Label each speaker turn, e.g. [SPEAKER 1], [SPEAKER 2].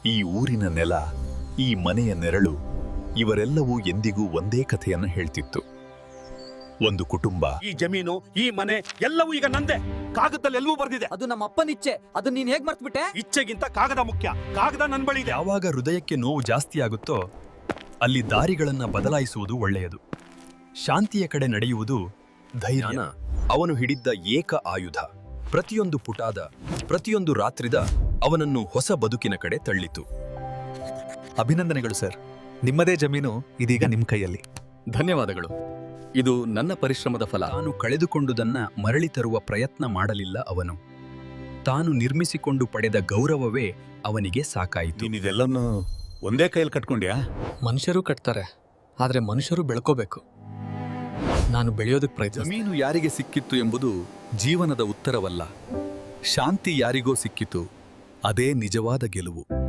[SPEAKER 1] ಈ ಊರಿನ ನೆಲ, ಈ ಮನೆಯ ನೆರಳು, ಇವರೆಲ್ಲವೂ ಎಂದಿಗೂ ಒಂದೇ ಕಥೆಯನ್ನು ಹೇಳ್ತಿತ್ತು. ಒಂದು ಕುಟುಂಬ.
[SPEAKER 2] ಈ ಜಮೀನು, ಈ ಮನೆ ಎಲ್ಲವೂ ಈಗ ನಂದೆ. ಕಾಗದದಲ್ಲಿ ಎಲ್ಲವೂ ಬರ್ದಿದೆ.
[SPEAKER 3] ಅದು ನಮ್ಮ ಅಪ್ಪನ ಇಚ್ಛೆ. ಅದು ನೀನ್ ಹೇಗ್ ಮರ್ತ್ಬಿಟ್ಟೆ?
[SPEAKER 2] ಇಚ್ಛೆಗಿಂತ ಕಾಗದ ಮುಖ್ಯ. ಕಾಗದ ನನ್ ಬಳಿ ಇದೆ.
[SPEAKER 1] ಯಾವಾಗ ಹೃದಯಕ್ಕೆ ನೋವು ಜಾಸ್ತಿ ಆಗುತ್ತೋ ಅಲ್ಲಿ ದಾರಿಗಳನ್ನ ಬದಲಾಯಿಸುವುದು ಒಳ್ಳೆಯದು. ಶಾಂತಿಯ ಕಡೆ ನಡೆಯುವುದು ಧೈರ್ಯ. ಅವನು ಹಿಡಿದ್ದ ಏಕ ಆಯುಧ ಪ್ರತಿಯೊಂದು ಪುಟಾದ, ಪ್ರತಿಯೊಂದು ರಾತ್ರಿದ ಅವನನ್ನು ಹೊಸ ಬದುಕಿನ ಕಡೆ ತಳ್ಳಿತು.
[SPEAKER 4] ಅಭಿನಂದನೆಗಳು ಸರ್. ನಿಮ್ಮದೇ ಜಮೀನು ಇದೀಗ ನಿಮ್ಮ ಕೈಯಲ್ಲಿ.
[SPEAKER 5] ಧನ್ಯವಾದಗಳು. ಇದು ನನ್ನ ಪರಿಶ್ರಮದ ಫಲ.
[SPEAKER 1] ತಾನು ಕಳೆದುಕೊಂಡುದನ್ನ ಮರಳಿ ತರುವ ಪ್ರಯತ್ನ ಮಾಡಲಿಲ್ಲ ಅವನು. ತಾನು ನಿರ್ಮಿಸಿಕೊಂಡು ಪಡೆದ ಗೌರವವೇ ಅವನಿಗೆ ಸಾಕಾಯಿತು.
[SPEAKER 6] ನೀನಿದೆಲ್ಲನೂ ಒಂದೇ ಕೈಯಲ್ಲಿ ಕಟ್ಕೊಂಡ್ಯಾ?
[SPEAKER 5] ಮನುಷ್ಯರು ಕಟ್ತಾರೆ, ಆದ್ರೆ ಮನುಷ್ಯರು ಬೆಳ್ಕೋಬೇಕು. ನಾನು ಬೆಳೆಯೋದಕ್ಕೆ ಪ್ರಯತ್ನ.
[SPEAKER 1] ಜಮೀನು ಯಾರಿಗೆ ಸಿಕ್ಕಿತ್ತು ಎಂಬುದು ಜೀವನದ ಉತ್ತರವಲ್ಲ. ಶಾಂತಿ ಯಾರಿಗೋ ಸಿಕ್ಕಿತು, ಅದೇ ನಿಜವಾದ ಗೆಲುವು.